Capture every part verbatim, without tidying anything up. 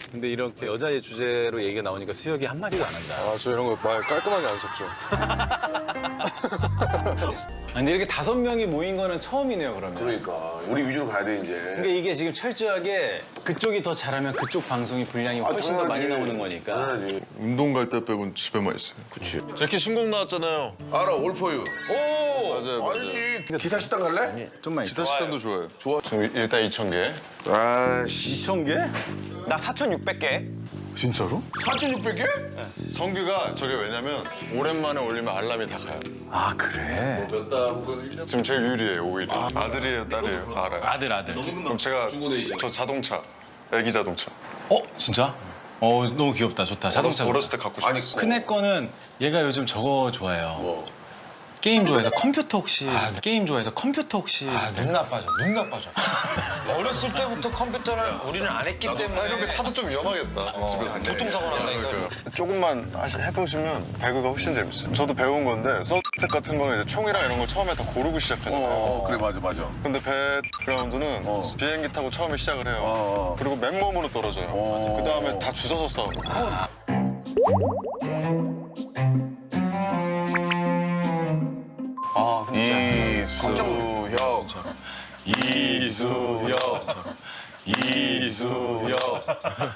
근데 이렇게 여자의 주제로 얘기가 나오니까 수혁이 한마디도 안 한다. 아, 저 이런 거 말 깔끔하게 안 섞죠. 아니, 근데 이렇게 다섯 명이 모인 거는 처음이네요, 그러면. 그러니까 우리 위주로 가야 돼 이제. 그러니까 이게 지금 철저하게 그쪽이 더 잘하면 그쪽 방송이 분량이 훨씬 더 많이 나오는 거니까. 당연하지. 운동 갈 때 빼곤 집에만 있어요. 그치. 제키 신곡 나왔잖아요. 알아, 올포유. 오! 맞아요, 맞아요. 알지. 기사 식당 갈래? 좀만 있어. 기사 시간도 좋아요. 좋아. 지금 일단 이천 개. 아씨. 이천 개? 나 사천육백 개. 진짜로? 사천육백 개? 성규가 저게 왜냐면 오랜만에 올리면 알람이 다 가요. 아, 그래? 몇 달 혹은 일 년? 지금 제일 유리해요, 오히려. 아, 아들이에요, 딸이에요? 알아요. 아들, 아들. 그럼 제가 저 자동차, 애기 자동차. 어, 진짜? 어, 너무 귀엽다. 좋다. 자동차. 어렸을, 어렸을 때 갖고 싶었어. 아니, 큰애 거는 얘가 요즘 저거 좋아해요. 뭐? 게임 좋아해서 컴퓨터 혹시 게임 좋아해서 컴퓨터 혹시 아, 눈 나빠져, 눈 나빠져. 어렸을 때부터 컴퓨터를 우리는 안 했기 아, 이런 때문에 게 차도 좀 위험하겠다. 집에서. 교통사고 난다니까. 조금만 하시, 해보시면 배구가 훨씬 재밌어요. 저도 배운 건데 서브텍 같은 거는 이제 총이랑 이런 거 처음에 다 고르고 시작하잖아요. 어, 그래, 맞아, 맞아. 근데 배그라운드는 비행기 타고 처음에 시작을 해요. 어. 그리고 맨몸으로 떨어져요. 어. 그 다음에 다 주워서 싸우고. 아, 이수혁. 이수혁. 이수혁.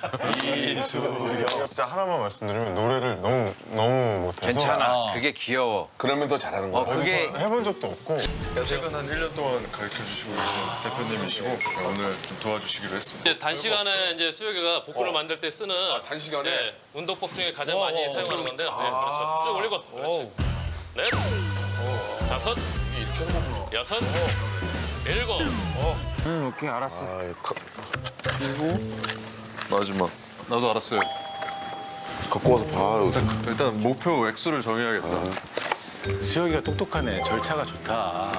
이수혁. 진짜 하나만 말씀드리면 노래를 너무 너무 못해서 괜찮아. 그게 귀여워. 그러면 더 잘하는 거야. 그게 해본 적도 없고 최근 한 일 년 동안 가르쳐 주시고 계신 대표님이시고 오늘 좀 도와주시기로 했습니다. 이제 단시간에 이제 수혁이가 복근을 만들 때 쓰는 단시간에? 예, 운동법 중에 가장 많이 사용하는 건데요. 네, 그렇죠. 쭉 올리고, 그렇지. 넷, 다섯, 이게 이렇게 하는 거구나. 여섯, 일곱. 응, 오케이, 알았어. 그리고 마지막 나도 알았어요. 갖고 와서 봐. 일단 목표 액수를 정해야겠다. 수혁이가 똑똑하네. 절차가 좋다.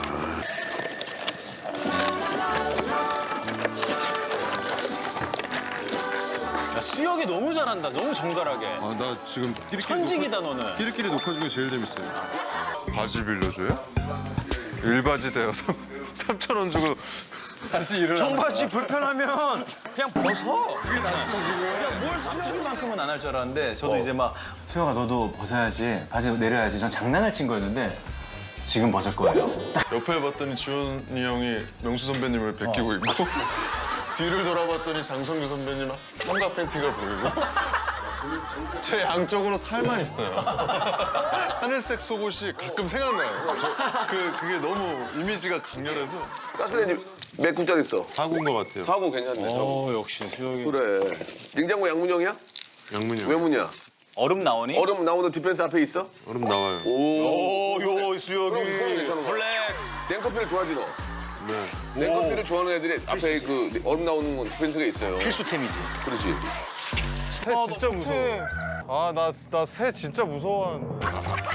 야, 수혁이 너무 잘한다. 너무 정갈하게. 아, 나 지금 끼리끼리 천직이다, 너는. 끼리끼리 녹화 중에 제일 재밌어요. 바지 빌려줘요? 일바지 대여서 삼천 원 주고 다시 일을 하는 거야. 청바지 불편하면 그냥 벗어. 그게 낫죠, 지금. 뭘 수혁이만큼은 안 할 줄 알았는데 저도 이제 막 수혁아 너도 벗어야지 바지 내려야지 전 장난을 친 거였는데 지금 벗을 거예요. 옆에 봤더니 지원이 형이 명수 선배님을 베끼고 있고 뒤를 돌아봤더니 장성규 선배님 삼각 팬티가 보이고 제 양쪽으로 살만 있어요. 하늘색 속옷이 가끔 생각나요. 저, 그, 그게 너무 이미지가 강렬해서 가스레인지 몇 군짜리 있어? 사고인 것 같아요. 사고 괜찮네, 사고. 어 역시 수혁이. 그래. 냉장고 양문형이야? 양문이 형. 왜 문이야? 얼음 나오니? 얼음 나오는 디펜스 앞에 있어? 얼음 나와요. 오. 오요 그럼 그건 괜찮은 거야. 플렉스. 냉커피를 좋아하지, 너? 네. 냉커피를 좋아하는 애들이 앞에 그 얼음 나오는 건 디펜스가 있어요. 필수템이지. 그렇지. 새 진짜 무서워. 아, 나, 나 새 진짜 무서워하는데.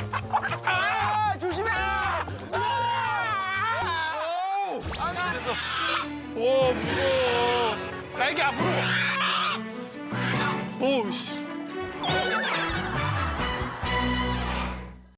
조심해! 와, 무서워. 날개 앞으로! 오, 씨.